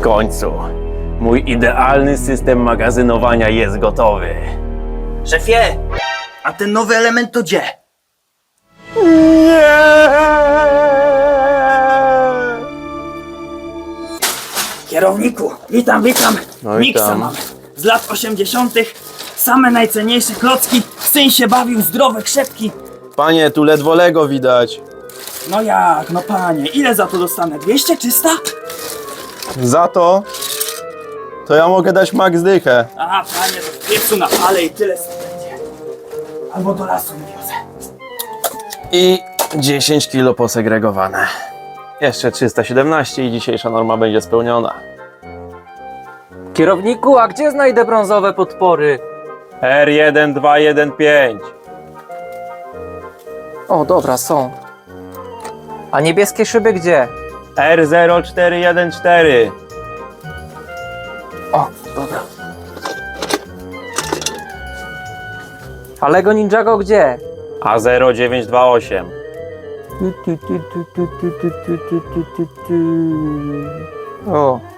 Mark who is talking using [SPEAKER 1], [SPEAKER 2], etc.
[SPEAKER 1] końcu. Mój idealny system magazynowania jest gotowy.
[SPEAKER 2] Szefie, a ten nowy element to gdzie?
[SPEAKER 1] Nie!
[SPEAKER 2] Kierowniku, witam.
[SPEAKER 1] No
[SPEAKER 2] Mixa
[SPEAKER 1] witam.
[SPEAKER 2] mamy. Z lat 80. Same najcenniejsze klocki. Syn się bawił, zdrowe krzepki.
[SPEAKER 1] Panie, tu ledwo Lego widać.
[SPEAKER 2] No jak, no panie, ile za to dostanę? 200, 300?
[SPEAKER 1] Za to ja mogę dać max dychę.
[SPEAKER 2] Aha, panie, to w piecu na pale i tyle sobie będzie. Albo do lasu wiozę.
[SPEAKER 1] I 10 kilo posegregowane. Jeszcze 317 i dzisiejsza norma będzie spełniona.
[SPEAKER 3] Kierowniku, a gdzie znajdę brązowe podpory?
[SPEAKER 1] R1215.
[SPEAKER 3] O, dobra, są. A niebieskie szyby gdzie?
[SPEAKER 1] R0414.
[SPEAKER 3] O, dobra. A Lego Ninjago gdzie?
[SPEAKER 1] A0928.
[SPEAKER 3] O,